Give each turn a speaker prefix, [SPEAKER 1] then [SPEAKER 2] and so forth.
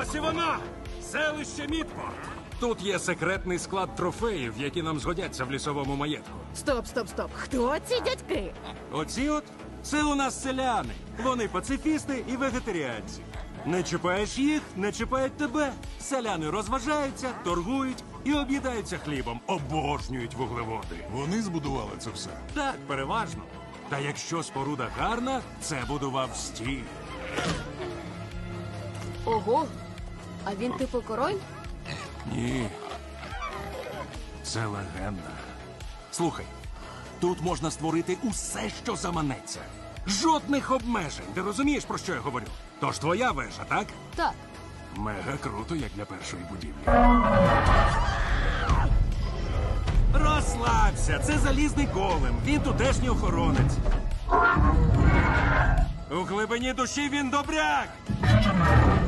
[SPEAKER 1] Ось і воно! Селище Мідпорт. Тут є секретний склад трофеїв, які нам згодяться в лісовому маєтку.
[SPEAKER 2] Стоп, стоп, стоп. Хто ці дядьки?
[SPEAKER 1] Оці от це у нас селяни. Вони пацифісти і вегетаріанці. Не чіпаєш їх, не чіпають тебе. Селяни розважаються, торгують і об'їдаються хлібом. Обожнюють вуглеводи.
[SPEAKER 3] Вони збудували це все.
[SPEAKER 1] Так, переважно. Та якщо споруда гарна, це будував стіль.
[SPEAKER 4] Ого. А він типу король?
[SPEAKER 1] Ні. Це легенда. Слухай, тут можна створити усе, що заманеться. Жодних обмежень. Ти розумієш, про що я говорю? Тож твоя вежа, так?
[SPEAKER 4] Так.
[SPEAKER 1] Мега круто, як для першої будівлі. Розслабся, це залізний голем. Він тутешній охоронець. У глибині душі він добряк.